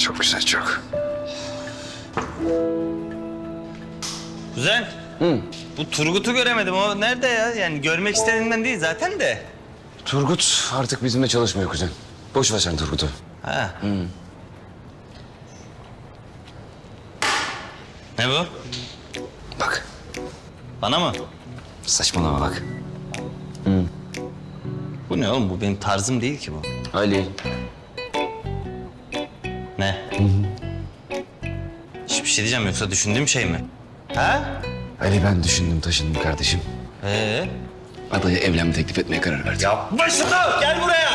Çok güzel, çok. Kuzen. Bu Turgut'u göremedim. O nerede ya? Yani görmek istediğimden değil zaten de. Turgut artık bizimle çalışmıyor kuzen. Boş ver sen Turgut'u. Ha. Ne bu? Bak, Bana mı? saçmalama bak. Bu ne oğlum? Bu benim tarzım değil ki bu. Ali. Ne? Hiçbir şey diyeceğim yoksa düşündüğüm şey mi? Ha? Ali ben düşündüm taşındım kardeşim. Adaya evlenme teklif etmeye karar verdim. Başında gel buraya.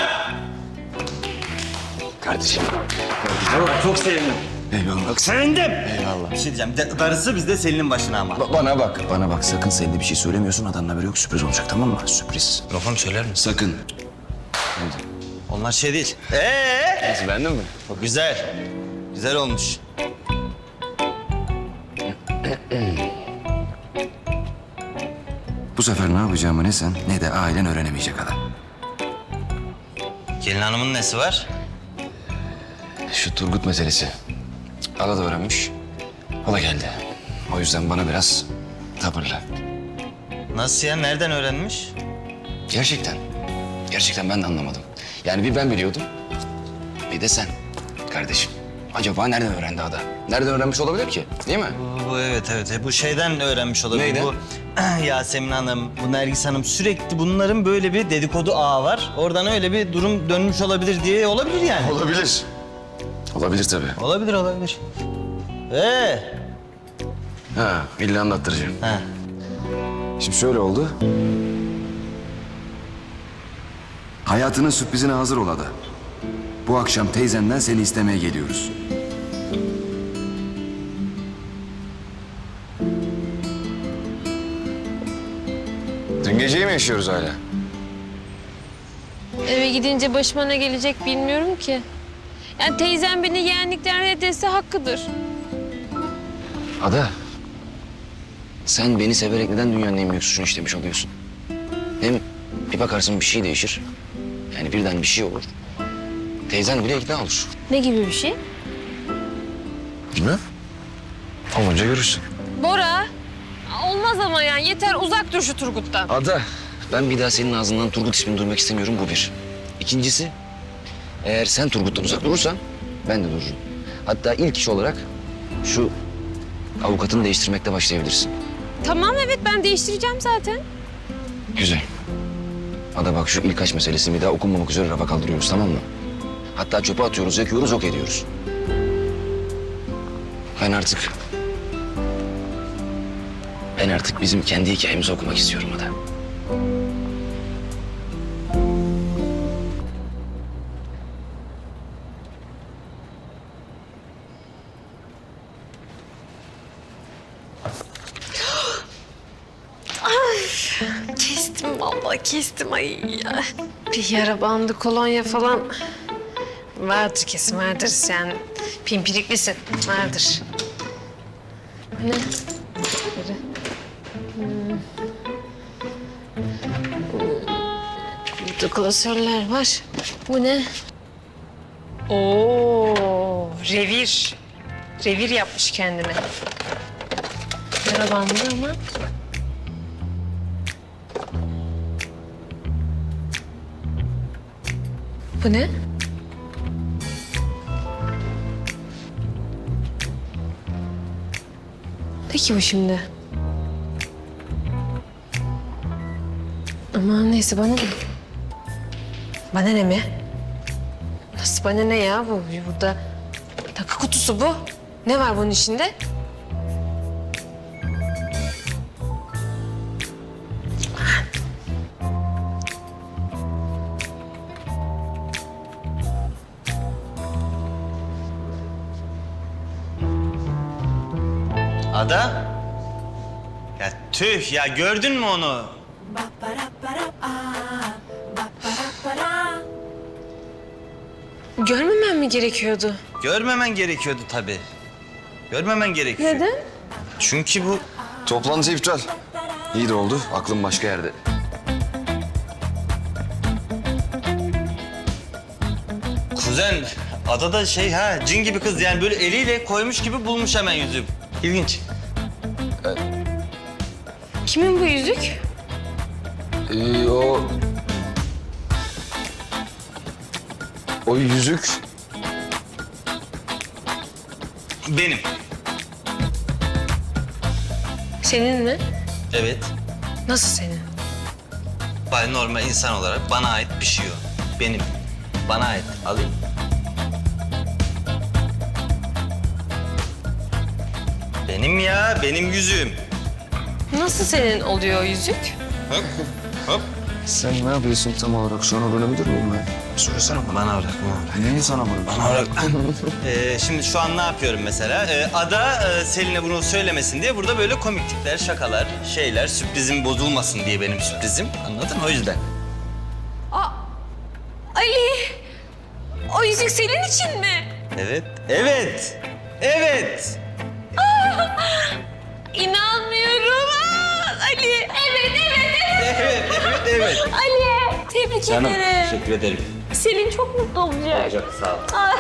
Kardeşim. Çok sevindim. Eyvallah. Bak, Sevindim. eyvallah. Bir şey diyeceğim. Darısı bizde Selin'in başına ama. Bana bak. Sakın Selin'e bir şey söylemiyorsun. Adamın haberi yok. Sürpriz olacak, tamam mı? Sürpriz. Lafım söyler misin? Sakın. Onlar şey değil. Nasıl, beğendin mi? Güzel. Güzel olmuş. Bu sefer ne yapacağımı ne sen ne de ailen öğrenemeyecek adam. Gelin hanımın nesi var? Şu Turgut meselesi. Ala da öğrenmiş. O da geldi. O yüzden bana biraz tavırlı. Nasıl ya? Nereden öğrenmiş? Gerçekten. Gerçekten ben de anlamadım. Yani bir ben biliyordum. Bir de sen kardeşim. Acaba nereden öğrendi Ada? Nereden öğrenmiş olabilir ki? Değil mi? Bu evet. Bu şeyden öğrenmiş olabilir. Neyden? Bu Yasemin Hanım, bu Nergis Hanım sürekli bunların böyle bir dedikodu ağı var. Oradan öyle bir durum dönmüş olabilir diye olabilir yani. Olabilir. Olabilir tabii. Olabilir. Ha, illa anlattıracağım. Ha. Şimdi şöyle oldu. Hayatının sürprizine hazır ol Ada. Bu akşam teyzenden seni istemeye geliyoruz. Dün geceyi mi yaşıyoruz hala? Eve gidince başıma ne gelecek bilmiyorum ki. Yani teyzem beni yeğenlikten reddetse hakkıdır. Ada, sen beni severek neden dünyanın en büyük suçunu işlemiş oluyorsun? Hem bir bakarsın bir şey değişir. Yani birden bir şey olur. Teyzen bile ikna olur. Ne gibi bir şey? Bilmem. Olunca görürsün. Bora. Olmaz ama yani yeter uzak dur şu Turgut'tan. Ada, ben bir daha senin ağzından Turgut ismini duymak istemiyorum, bu bir. İkincisi, eğer sen Turgut'tan uzak durursan ben de dururum. Hatta ilk iş olarak şu avukatını değiştirmekle başlayabilirsin. Tamam evet ben değiştireceğim zaten. Güzel. Ada bak, şu ilk aşk meselesini bir daha okunmamak üzere rafa kaldırıyoruz, tamam mı? Hatta çöpe atıyoruz, yakıyoruz, yok ediyoruz. Ben artık bizim kendi hikayemizi okumak istiyorum Ada. Kestim vallahi kestim ay ya. Bir yara bandı kolonya falan vardır kesin vardır sen pimpiriklisin vardır. Ne? Biri. Burada klasörler var. Bu ne? Oo, revir. Revir yapmış kendine. Yara bandı ama. Bu ne? Ne ki bu şimdi? Aman neyse bana ne? Bana ne mi? Nasıl bana ne ya bu? Burada takı kutusu bu. Ne var bunun içinde? Ada? Ya tüh ya, gördün mü onu? Görmemem mi gerekiyordu? Görmemen gerekiyordu tabii. Görmemen gerekiyor. Neden? Çünkü bu... Toplantı iptal. İyi de oldu, aklım başka yerde. Kuzen, Ada da cin gibi kız yani böyle eliyle koymuş gibi bulmuş hemen yüzüğü. İlginç. Kimin bu yüzük? O yüzük Benim. Senin mi? Evet. Nasıl senin? Normal insan olarak bana ait bir şey o. Benim. Bana ait. Alayım. Benim ya, benim yüzüğüm. Nasıl senin oluyor o yüzük? Hop, hop. sen ne yapıyorsun tam olarak? Şu an öğrenebilir miyim ben? Söylesene bana. Bana bırak, bana bırak. Neyi sana bırak? Bana bırak. Şimdi şu an ne yapıyorum mesela? Ada Selin'e bunu söylemesin diye burada böyle komiklikler, şakalar, şeyler, sürprizim bozulmasın diye benim sürprizim. Anladın mı? O yüzden. Ali! O yüzük senin için mi? Evet, evet, evet. İnanmıyorum. Ali! Evet, evet, evet. Evet, evet, evet. Ali! Tebrik ederim. Teşekkür ederim. Selin çok mutlu olacak. Çok sağ ol. Ay.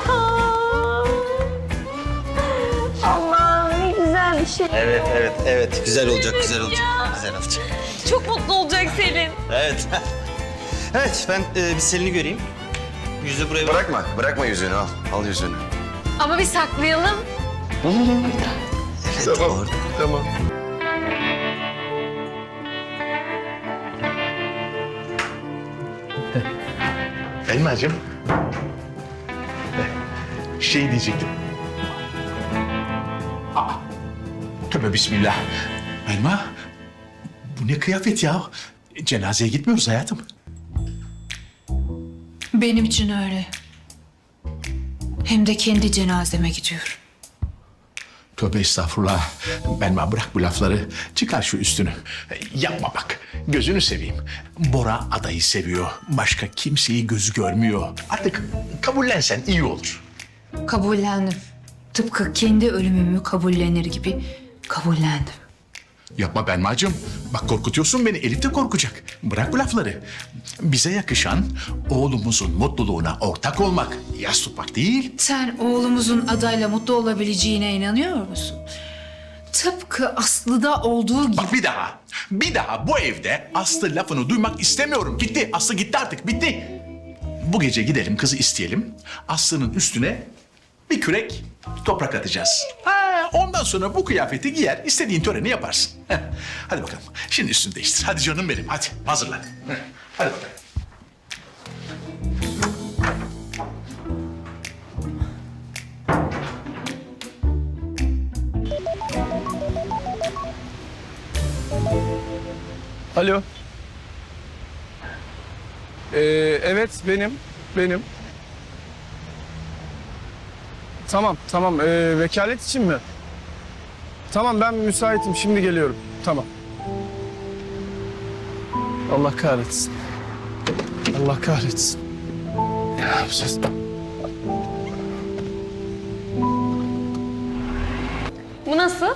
Allah'ım ne güzel bir şey. Evet, evet, evet. Güzel olacak, güzel olacak. Güzel olacak. Çok mutlu olacak Selin. Evet. Evet, ben bir Selin'i göreyim. Yüzü buraya bırak. Bırakma yüzüğünü al. Al yüzüğünü. Ama bir saklayalım. Evet, doğru. Tamam. Elmacığım. Şey diyecektim. Tövbe bismillah. Elma, bu ne kıyafet ya? Cenazeye gitmiyoruz hayatım. Benim için öyle. Hem de kendi cenazeme gidiyorum. Tövbe estağfurullah. Belma bırak bu lafları. Çıkar şu üstünü. Yapma bak. Gözünü seveyim. Bora adayı seviyor. Başka kimseyi gözü görmüyor. Artık kabullensen iyi olur. Kabullendim. Tıpkı kendi ölümümü kabullenir gibi kabullendim. Yapma Belmacığım. Bak korkutuyorsun beni. Elif de korkacak. Bırak bu lafları. Bize yakışan oğlumuzun mutluluğuna ortak olmak, yas tutmak değil. Sen oğlumuzun adayla mutlu olabileceğine inanıyor musun? Tıpkı Aslı'da olduğu gibi. Bak bir daha bu evde Aslı lafını duymak istemiyorum. Gitti. Aslı gitti artık. Bitti. Bu gece gidelim kızı isteyelim. Aslı'nın üstüne bir kürek toprak atacağız. Ondan sonra bu kıyafeti giyer, istediğin töreni yaparsın. Hadi bakalım. Şimdi üstünü değiştir. Hadi canım benim. Hadi hazırlan. Hadi bakalım. Alo. Evet benim. Tamam. Vekalet için mi? Tamam ben müsaitim şimdi geliyorum. Tamam. Allah kahretsin. Allah kahretsin. Ne yapacağız? Bu nasıl?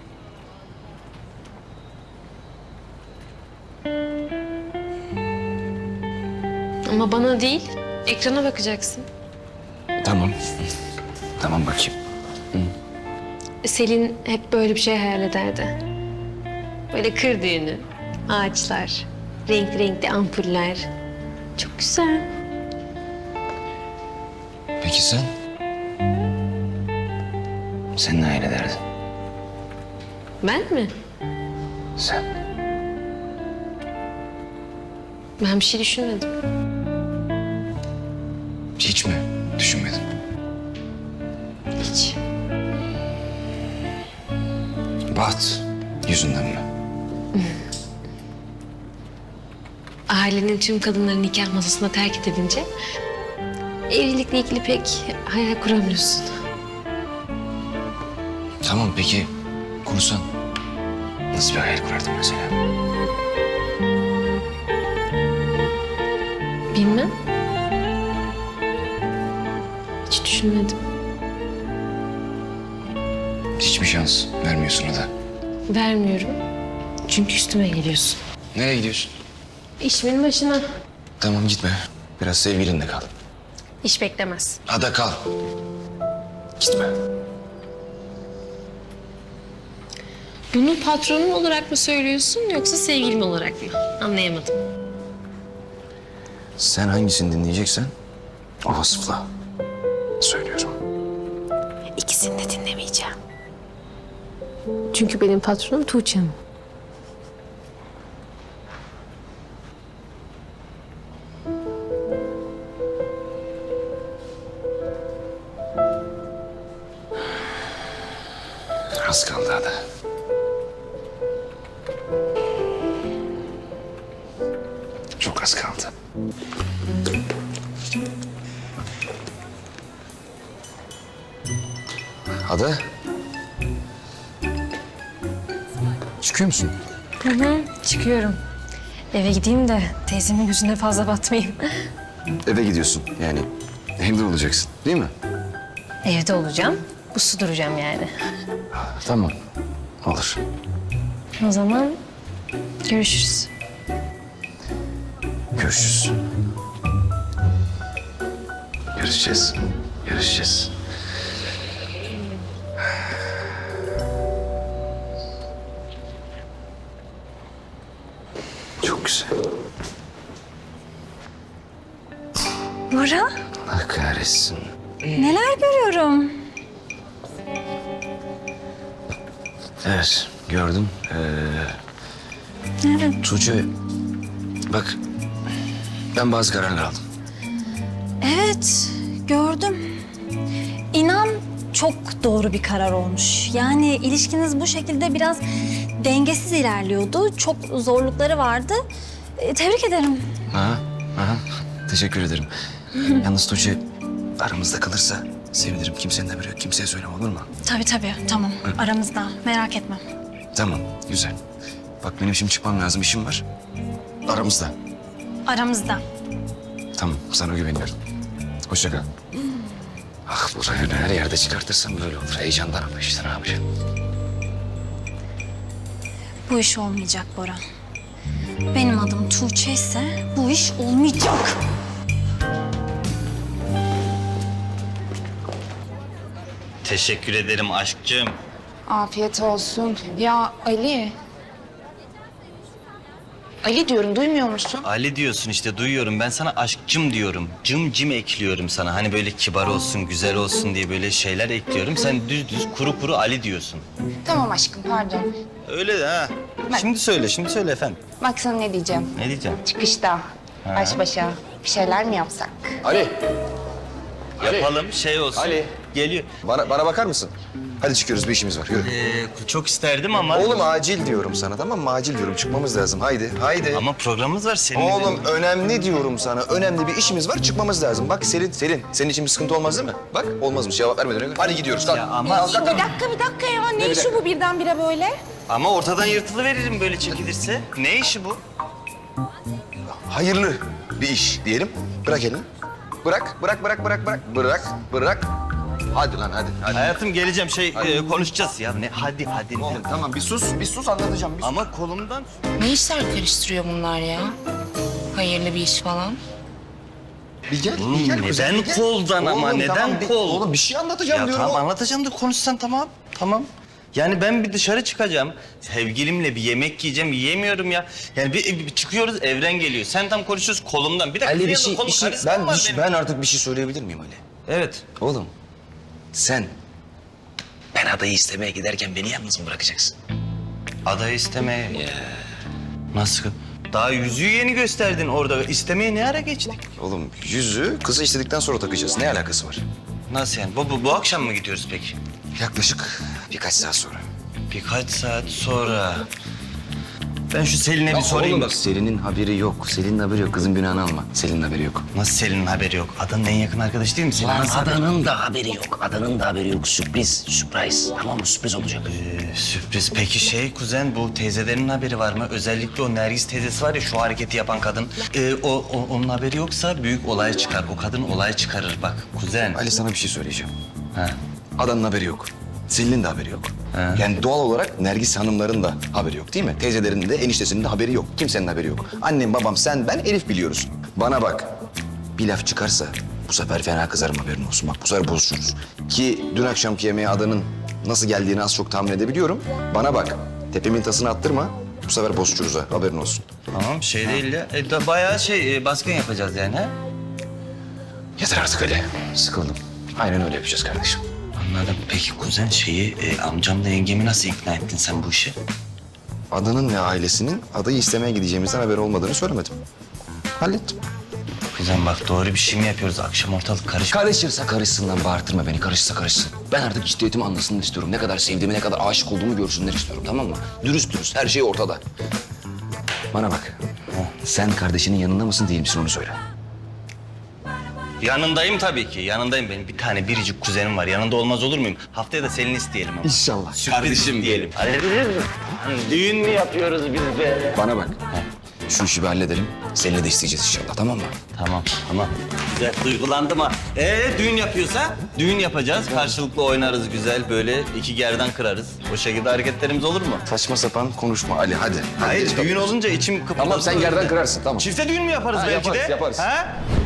Ama bana değil, ekrana bakacaksın. Tamam. Tamam bakayım. Selin hep böyle bir şey hayal ederdi. Böyle kır düğünü, ağaçlar, renkli ampuller. Çok güzel. Peki sen? Sen ne hayal ederdin? Ben mi? Sen. Ben bir şey düşünmedim. Hiç mi düşünmedin? Hiç. Baht yüzünden mi? Ailenin tüm kadınları nikah masasında terk edilince evlilikle ilgili pek hayal kuramıyorsun. Tamam peki kursan nasıl bir hayal kurardın mesela? Bilmem. Hiç düşünmedim. Hiçbir şans vermiyorsun Ada. Vermiyorum. Çünkü üstüme geliyorsun. Nereye gidiyorsun? İşimin başına. Tamam gitme. Biraz sevgilinle kal. İş beklemez. Ada kal. Gitme. Bunu patronun olarak mı söylüyorsun yoksa sevgilim olarak mı? Anlayamadım. Sen hangisini dinleyeceksen o vasıfla söylüyorum. İkisini de dinlemeyeceğim. Çünkü benim patronum Tuğçe Hanım. Az kaldı Ada. Çok az kaldı. Ada. Çıkıyor musun? Çıkıyorum. Eve gideyim de teyzemin yüzüne fazla batmayayım. Eve gidiyorsun yani. Evde olacaksın değil mi? Evde olacağım. Uslu duracağım yani. Tamam. Olur. O zaman görüşürüz. Görüşürüz. Görüşeceğiz. Görüşeceğiz. Çok güzel. Bora, Allah kahretsin. neler görüyorum? Evet, gördüm. Evet. Tuğçe, bak ben bazı kararlar aldım. Evet, gördüm. İnan çok doğru bir karar olmuş. Yani ilişkiniz bu şekilde biraz dengesiz ilerliyordu. Çok zorlukları vardı. Tebrik ederim. Aha, aha. Teşekkür ederim. Yalnız Tuğçe aramızda kalırsa sevinirim. Kimsenin haberi yok. Kimseye söyleme, olur mu? Tabii tabii, tamam. Aramızda, merak etme. Tamam, güzel. Bak benim şimdi çıkmam lazım, işim var. Aramızda. Aramızda. Tamam, sana güveniyorum. Hoşça kal. Ah, bu rayonu her yerde çıkartırsam böyle olur. Heyecandan ama işte ne yapacağım? Bu iş olmayacak Bora. Benim adım Tuğçe ise bu iş olmayacak. Teşekkür ederim aşkcığım. Afiyet olsun. Ya Ali. Ali diyorum, duymuyor musun? Ali diyorsun işte, duyuyorum. Ben sana aşkcım diyorum. Cım cim ekliyorum sana. Hani böyle kibar olsun, güzel olsun diye böyle şeyler ekliyorum. Sen düz kuru kuru Ali diyorsun. Tamam aşkım, pardon. Öyle de ha. Şimdi söyle efendim. Bak sana ne diyeceğim. Ne diyeceğim? Çıkışta, baş başa bir şeyler mi yapsak? Ali, Yapalım, şey olsun. Ali. Geliyor. bana bakar mısın? Hadi çıkıyoruz, bir işimiz var. Yürü. Çok isterdim ama... Oğlum acil diyorum sana, tamam mı? Acil diyorum, çıkmamız lazım. Haydi, haydi. Ama programımız var senin. Oğlum önemli diyorum sana. Önemli bir işimiz var, çıkmamız lazım. Bak Selin, senin için bir sıkıntı olmaz değil mi? Bak olmazmış, cevap vermeden önce. Hadi gidiyoruz, kalk. Ya ama, Bir dakika ya. Ne işi bu birdenbire böyle? ama ortadan yırtılıveririm böyle çekilirse. Ne işi bu? Hayırlı bir iş diyelim. Bırak elini. Bırak. Bırak. Hadi lan, hadi. Hayatım geleceğim, konuşacağız ya. Ne? Hadi. Oğlum tamam, bir sus anlatacağım. Bir sus. Ama kolumdan... Ne işler karıştırıyor bunlar ya? Hayırlı bir iş falan. Bir gel, Oğlum, kuzen, neden bir gel. koldan ama, Oğlum, neden tamam, kol? Oğlum bir şey anlatacağım Ya diyorum. tamam anlatacağım da konuşsan tamam. Yani ben bir dışarı çıkacağım. Sevgilimle bir yemek yiyeceğim. Yiyemiyorum ya. Yani bir çıkıyoruz, Evren geliyor. Sen tam konuşuyoruz kolumdan. Bir dakika. Ali ben artık bir şey söyleyebilir miyim Ali? Evet. Oğlum sen ben adayı istemeye giderken beni yalnız mı bırakacaksın? Adayı istemeye. Nasıl? Daha yüzüğü yeni gösterdin orada. İstemeye ne ara geçtik? Oğlum yüzüğü kızı istedikten sonra takacağız. Ne alakası var? Nasıl yani? Bu akşam mı gidiyoruz peki? Yaklaşık birkaç saat sonra. Birkaç saat sonra. Ben şu Selin'e bir sorayım Oğlum bak. Selin'in haberi yok. Selin'in haberi yok. Kızın günahını alma. Selin'in haberi yok. Nasıl Selin'in haberi yok? Adanın en yakın arkadaşı değil mi Selin? Lan Nasıl haberi- adanın da haberi yok. Adanın da haberi yok. Sürpriz. Tamam mı? Sürpriz olacak. Sürpriz. Peki kuzen, bu teyzelerinin haberi var mı? Özellikle o Nergis teyzesi var ya, şu hareketi yapan kadın. Onun haberi yoksa büyük olay çıkar. O kadın olay çıkarır bak kuzen. Ali sana bir şey söyleyeceğim. Ha. Adanın haberi yok. Selin'in de haberi yok. Ha. Yani doğal olarak Nergis hanımların da haberi yok değil mi? Teyzelerinin de eniştesinin de haberi yok. Kimsenin haberi yok. Annem, babam, sen, ben, Elif biliyoruz. Bana bak. Bir laf çıkarsa Bu sefer fena kızarım, haberin olsun. Bak bu sefer bozuşuruz. Ki dün akşamki yemeğe adanın nasıl geldiğini az çok tahmin edebiliyorum. Bana bak, tepemin tasını attırma. Bu sefer bozuşuruz ha, haberin olsun. Tamam şey değil ya. Bayağı baskın yapacağız yani ha? Yeter artık Ali. Sıkıldım. Aynen öyle yapacağız kardeşim. Anladım. Peki kuzen amcamla yengemi nasıl ikna ettin sen bu işe? Adanın ve ailesinin adayı istemeye gideceğimizden haberi olmadığını söylemedim. Hallettim. Kuzen bak doğru bir şey mi yapıyoruz? Akşam ortalık karışık. Karışırsa karışsın lan, bağırtırma beni. Karışsa karışsın. Ben artık ciddiyetimi anlasınlar istiyorum. Ne kadar sevdiğimi, ne kadar aşık olduğumu görsünler istiyorum, tamam mı? Dürüst dürüst, her şey ortada. Bana bak. Sen kardeşinin yanında mısın, değil misin onu söyle. Yanındayım tabii ki. Yanındayım. Benim bir tane biricik kuzenim var. Yanında olmaz olur muyum? Haftaya da Selin'i isteyelim ama. İnşallah. Kardeşim diyelim. Düğün mü yapıyoruz biz be? Bana bak. Şu işi bir halledelim. Seninle de isteyeceğiz inşallah, tamam mı? Tamam. Güzel, duygulandım ha. Düğün yapıyorsa düğün yapacağız. Karşılıklı oynarız güzel böyle. 2 gerdan kırarız. O şekilde hareketlerimiz olur mu? Saçma sapan konuşma Ali, hadi. Hayır, geç düğün kalıyoruz. olunca içim kıpırdadı. Tamam, sen gerdan kırarsın, tamam. Çifte düğün mü yaparız Ha, belki yaparız, de? yaparız. Ha?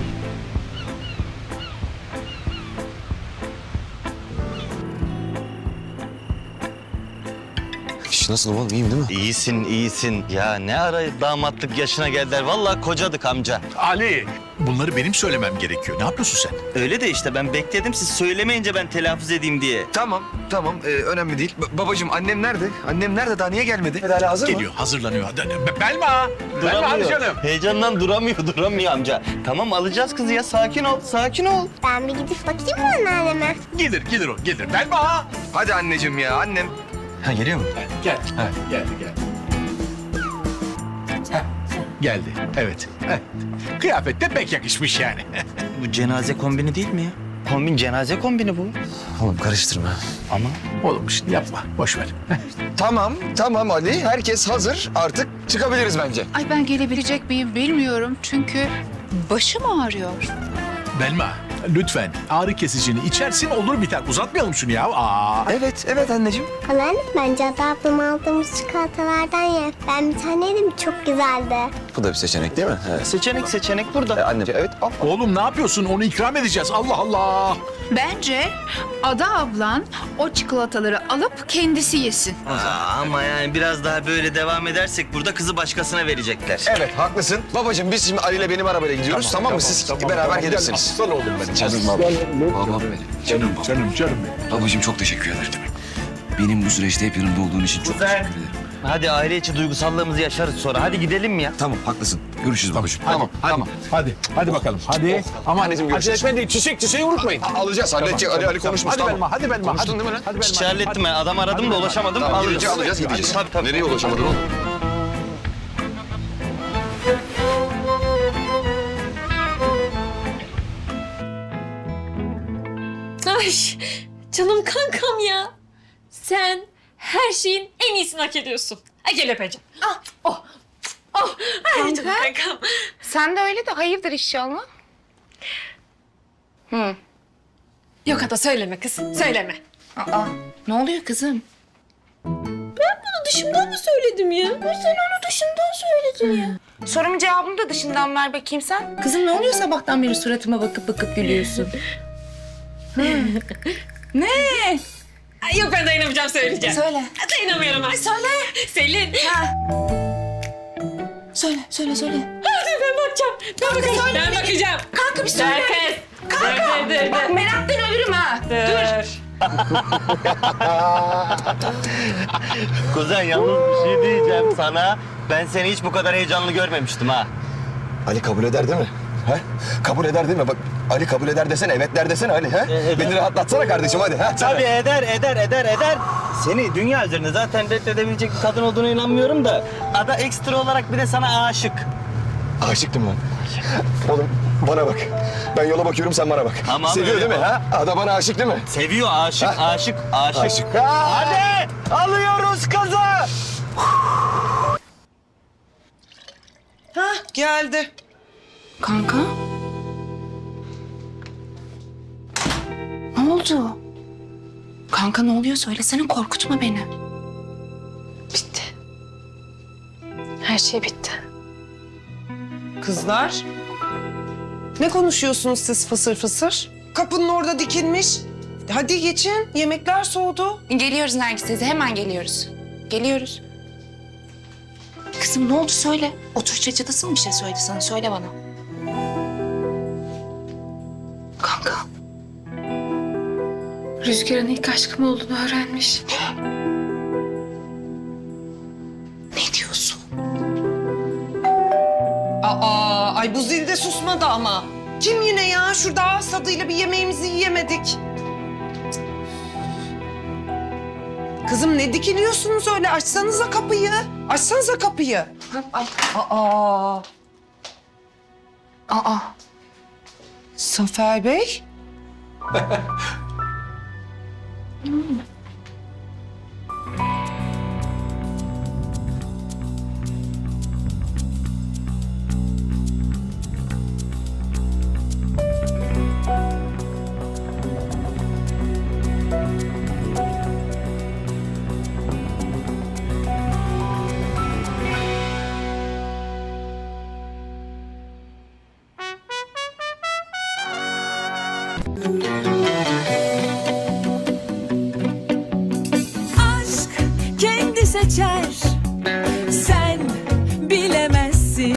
İş nasıl oğlum, iyiyim değil mi? İyisin. Ya ne ara damatlık yaşına geldiler. Vallahi kocadık amca. Ali, bunları benim söylemem gerekiyor. Ne yapıyorsun sen? Öyle de işte ben bekledim siz söylemeyince ben telaffuz edeyim diye. Tamam. Önemli değil. Babacığım, annem nerede? Annem nerede? Daha niye gelmedi? Hala hazır Geliyor, hazırlanıyor. Belma! Belma hadi canım. Heyecandan duramıyor amca. Tamam alacağız kızı ya sakin ol. Ben bir gidip bakayım mı anneanneme? Gelir o, gelir. Belma! Hadi anneciğim ya, annem. Ha, geliyor mu? Geldi. Geldi, evet. Kıyafet de pek yakışmış yani. Bu cenaze kombini değil mi ya? Cenaze kombini bu. Oğlum karıştırma. Ama Oğlum şimdi yapma, boş ver. Tamam Ali. Herkes hazır. Artık çıkabiliriz bence. Ay ben gelebilecek miyim bilmiyorum çünkü başım ağrıyor. Belma, lütfen ağrı kesicini içersin olur biter. Uzatmayalım şunu ya. Evet anneciğim. Anneanne bence Ada ablam aldığımız çikolatalardan ye. Ben bir tane yedim çok güzeldi. Bu da bir seçenek değil mi? Evet. seçenek burada. Anneciğim, evet. Al. Oğlum ne yapıyorsun? Onu ikram edeceğiz. Allah Allah. Bence Ada ablan o çikolataları alıp kendisi yesin. Ama yani biraz daha böyle devam edersek burada kızı başkasına verecekler. Evet, haklısın. Babacığım, biz şimdi Ali ile benim arabayla gidiyoruz. Tamam mı? Siz beraber gelirsiniz. Aslan oğlum benim. Canım babam benim. Canım benim. Babacığım, çok teşekkür ederim. Benim bu süreçte hep yanımda olduğun için çok teşekkür ederim. Hadi aile içi duygusallığımızı yaşarız sonra. Hadi gidelim mi ya? Tamam, haklısın. Görüşürüz babacığım. Tamam. Hadi bakalım. Hadi. Ama Anneciğim, görüşürüz. acele etme değil. Çiçeği unutmayın. Alacağız, halledeceğiz. Ali konuşmuş. Hadi Belma. Konuştun değil mi lan? Hadi İşi hallettim ben. Adam aradım da ulaşamadım. Tamam, Alırız. gidince alacağız, gideceğiz. Tabii. Nereye ulaşamadın oğlum? Ay canım kankam ya. Sen her şeyin en iyisini hak ediyorsun. Ay gel öpeceğim. Ah, oh. Ay canım kankam. Sen de öyle de hayırdır inşallah? Yok Ada söyleme kız, söyleme. Aa, ne oluyor kızım? Bunu dışımdan mı söyledim ya? Sen onu dışımdan söyledin ya. Sorumun cevabını da dışından ver bakayım sen. Kızım ne oluyor sabahtan beri suratıma bakıp gülüyorsun? Ne? Ay, yok ben dayanamayacağım söyleyeceğim. Söyle. Dayanamıyorum ben. Söyle. Selin. Söyle. Hadi ben bakacağım. Ben bakacağım. Kanka bir söyle. Dur kız. Dur. Bak meraktan ölürüm ha. Dur. Kuzen yalnız bir şey diyeceğim sana. Ben seni hiç bu kadar heyecanlı görmemiştim ha. Ali kabul eder değil mi? He? Kabul eder değil mi? Bak, Ali kabul eder desene, evet der desene Ali. He? Beni rahatlatsana kardeşim, hadi. He? Tabii eder. Seni dünya üzerinde zaten reddedebilecek bir kadın olduğuna inanmıyorum da... Ada ekstra olarak bir de sana aşık. Aşıktım ben. Oğlum bana bak. Ben yola bakıyorum, sen bana bak. Tamam, Seviyor öyle değil mi? Ha? Ada bana aşık değil mi? Seviyor, aşık. Aşık. Hadi alıyoruz kızı. Geldi. Kanka? Ne oldu? Kanka ne oluyor söylesene korkutma beni. Bitti. Her şey bitti. Kızlar. Ne konuşuyorsunuz siz fısır fısır? Kapının orada dikilmiş. Hadi geçin, yemekler soğudu. Geliyoruz Nergis teyze, hemen geliyoruz. Geliyoruz. Kızım ne oldu söyle. Otur çatısı mı bir şey söyledi sana? Söyle bana. Kanka. Rüzgar'ın ilk aşkım olduğunu öğrenmiş. Ne diyorsun? Ay bu zil de susmadı ama. Kim yine ya? Şurada ağız tadıyla bir yemeğimizi yiyemedik. Kızım ne dikiliyorsunuz öyle? Açsanıza kapıyı. Açsanıza kapıyı. Ay. Aa. Aa. Zafer Bey. Aşk kendi seçer